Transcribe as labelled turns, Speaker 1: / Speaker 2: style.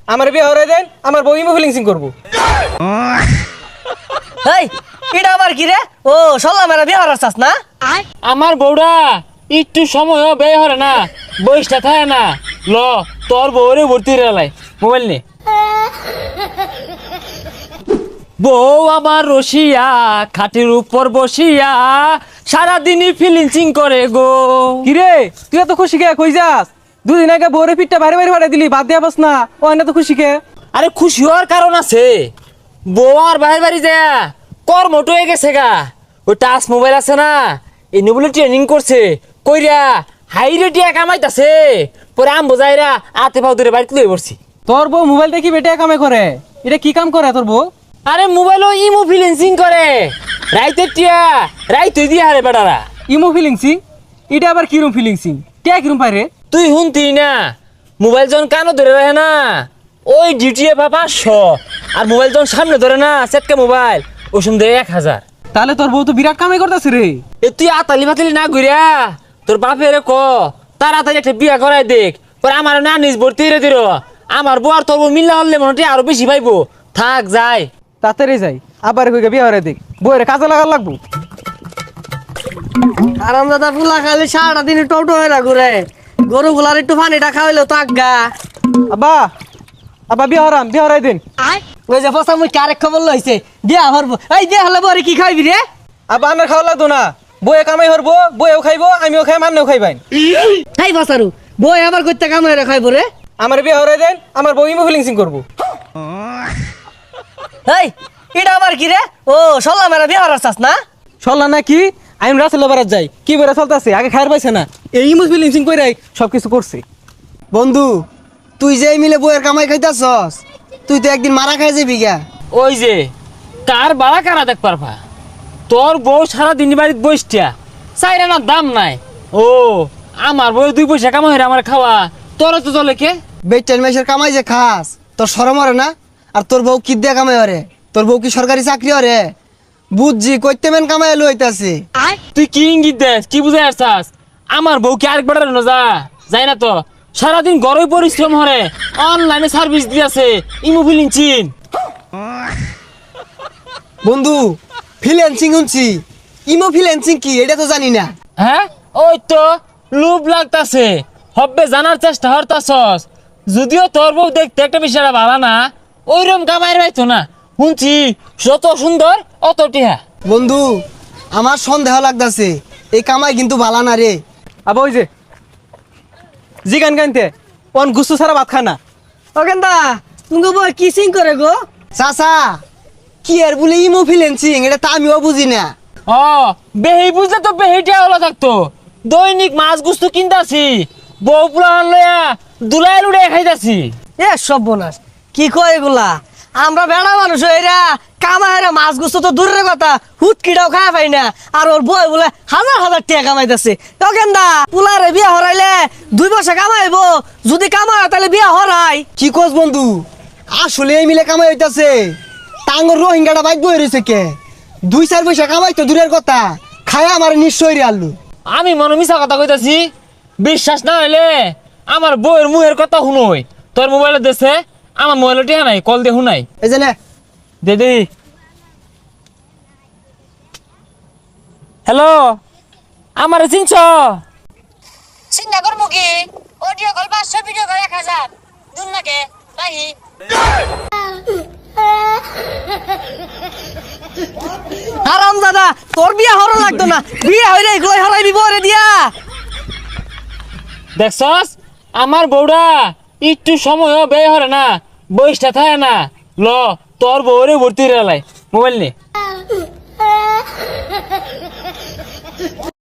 Speaker 1: আমার বিয়ে হরে দেন, আমার বউ ইমো ফিলিংসিং করবো।
Speaker 2: এই এটা আবার কি রে? ও সল্লা মেরা বিয়ে হরার চাস না?
Speaker 3: আমার বউরা একটু সময়ও ব্যয় হরে না, বয়সটা থাকে না। ল তোর বউরে ভর্তি রেলাই মোবাইল নে। বউ আমার রসিয়া খাটের উপর বসিয়া সারাদিনই ফিলিংসিং করে গো।
Speaker 1: কিরে তুই এত খুশি কে? কই যাস? দুদিন আগে বউরে পিঠটা ভারী ভারী ফাটাই দিলি, বাদ দিয়া বস না। ও না তো খুশি কে?
Speaker 3: আরে খুশি হওয়ার কারণ আছে। বউ আর বাইরে বাড়ি যায় কর্মটো হয়ে গেছে গা। ওই টাচ মোবাইল আছে না, এই বলে ট্রেনিং করছে কইরা হাই রেটিয়া কামাইতাছে। পরে আম বোঝাইরা আতে পাও ধরে বাড়িতে লয়ে পড়ছি।
Speaker 1: তোর বউ মোবাইল দেখি বেটে কামে করে? এটা কি কাম করে তোর বউ?
Speaker 3: আরে মোবাইলও ইমো ফিলিংসিং করে রাইতে টিয়া রাইতে দিয়ে হারে বেটারা।
Speaker 1: ইমো ফিলিংসিং? এটা আবার কিরম ফিলিংসিং? কে কিরম পারে?
Speaker 3: তুই শুনতি না, মোবাইল যখন কানো ধরে রাখে না ওই ডিউটি পা 500, আর মোবাইল যখন সামনে ধরে না সেটকা মোবাইল ওই সময় দেয় 1000।
Speaker 1: তাহলে তোর বউ তো বিরাট কামাই করতেছে রে।
Speaker 3: এ তুই আতালি বাতালি না ঘুরিয়া তোর বাপেরে ক তাড়াতাড়ি একটা বিয়া করাই দেখ। পরে আমার না নিজ ভর্তি রে দিল। আমার বউ আর তোর বউ মিল্লা হলে মনে হয় আরো বেশি পাইবো। থাক যাই
Speaker 1: তাড়াতাড়ি যাই, আবার কই বিয়ে হরে দেখ, বউরে কাজে লাগার লাগবো।
Speaker 2: আরাম দাদা পুলা খালি সারাটা দিন টোটো হয়ে না ঘুরে, গরু গুলার একটু পানিটা খাওয়াইলো তাক গা।
Speaker 1: আব্বা আব্বা বিয়ে হরাম, বিয়ে হরাই দিন।
Speaker 2: ওই যে ফসা মুই আরেক খবর লইছে বিয়া হরবো। এই বিয়া হলে বরে কি খাইবি রে?
Speaker 1: আব্বা আমার খাওয়া লাগতো না, বউয়ে কামাই হরবো, বউয়েও খাইবো, আমিও খাই, মান্নেও খাইবাই।
Speaker 2: এই ফসারু বই আবার কইতে কাম হয়ে খাইবো রে?
Speaker 1: আমার বিয়ে হরাই দেন, আমার বউ ইমো ফিলিংসিং করবো।
Speaker 2: এই এটা আবার কি রে? ও সল্লা মেরা বিয়া হরার চাস না?
Speaker 1: চললা না কি? আমি রাসেল বারাত যাই, কি বেড়া চলতেছে, আগে খায়ার পাইছে না, এই ইমো ফিলিংসিং কইরাই সবকিছু করছে।
Speaker 4: বন্ধু তুই যে মিলে বইয়ের কামাই খাইতাছস, তুই তো একদিন মারা খাই যাবি গা।
Speaker 3: ওই যে কার বাড়া কারা দেখ পারবা। তোর বউ সারা দিন বাড়িতে বসটিয়া চাইরা না দাম নাই। ও আমার বউ 2 পয়সা কামাই হইরা আমার খাওয়া, তোর তো চলে কে?
Speaker 4: বেটেন মাসের কামাই যে খাস তোর শরম হরে না? আর তোর বউ কি দিয়ে কামাই হরে? তোর বউ কি সরকারি চাকরি হরে? বুঝছি কইতে মেন কামাই লইতাছে।
Speaker 3: তুই কি ইঙ্গিত দেস, কি বুঝাই আসছাস? আমার বউ কি আরেক বেড়ার না যাই না তো, সারাদিন গরমে পরিশ্রম হরে, অনলাইনে সার্ভিস দিয়েছে ইমো ফিলিংসিং।
Speaker 4: বন্ধু ফ্রিল্যান্সিং শুনছি, ইমো ফ্রিল্যান্সিং কি এটা তো জানি না।
Speaker 3: হ্যাঁ ওই তো লোভ লাগতাছে, হব্বে জানার চেষ্টা হরতাছস। যদিও তোর বউ দেখতে একটা বিষয়টা ভালো না, ওইরকম কামাই রাইতো না। শুনছি যত সুন্দর অত টিহা।
Speaker 4: বন্ধু আমার সন্দেহ লাগতাছে, এই কামাই কিন্তু ভালো না রে।
Speaker 1: আবার ওই যে জি গান গানতে অন গুসু ছাড়া ভাত খানা।
Speaker 2: ও কেন্দা তুমি বই কি সিং করে গো?
Speaker 4: চাচা কি আর বলে ইমো ফ্রিল্যান্সিং এটা তো আমিও বুঝি না।
Speaker 3: ও বেহি বুঝলে তো বেহিটা হলো থাকতো। দৈনিক মাছ গুস্তু কিনতাছি, বউ পুলান লইয়া দুলাই লুড়ে খাইতাছি।
Speaker 2: এ সব বোনাস কি কয় এগুলা? আমরা বেড়া মানুষ এরা কামাইরা মাছ গুছো তো দূরের কথা, হুটকিটাও খাওয়া পাই না। আর ওর বই বলে হাজার হাজার টাকা কামাইতেছে। তো কেন্দা পুলারে বিয়া হরাইলে 2 পয়সা কামাইবো, যদি কামাই তাহলে বিয়া হরাই।
Speaker 4: কি কস বন্ধু? আসলে এই মিলে কামাই হইতাছে? টাঙ্গর রোহিঙ্গাটা বাইক বই রয়েছে কে? 2-4 পয়সা কামাই তো দূরের কথা, খায় আমার নিশ্চয় রে আল্লু।
Speaker 3: আমি মনে মিছা কথা কইতাছি? বিশ্বাস না হইলে আমার বউয়ের মুহের কথা শুনই। তোর মোবাইলে দেশে আমার মোবাইলে টিহা নাই, কল দিয়ে শুনাই।
Speaker 4: এই যে নে।
Speaker 3: দিদি হ্যালো, আমার চিনছ?
Speaker 5: চিন্তা করবো কি? Audio call 500, video call 1000। দুন নাকে রাহি।
Speaker 2: আরাম দাদা তোর বিয়া হরা লাগতো না, বিয়া হইলে এগুলোই হরাইবি বরে দিয়া।
Speaker 3: দেখছস আমার বউরা একটু সময়ও ব্যয় হরে না, বয়সটা থাকে না। ল তোর বউরে ভর্তি রেলাই মোবাইল নে।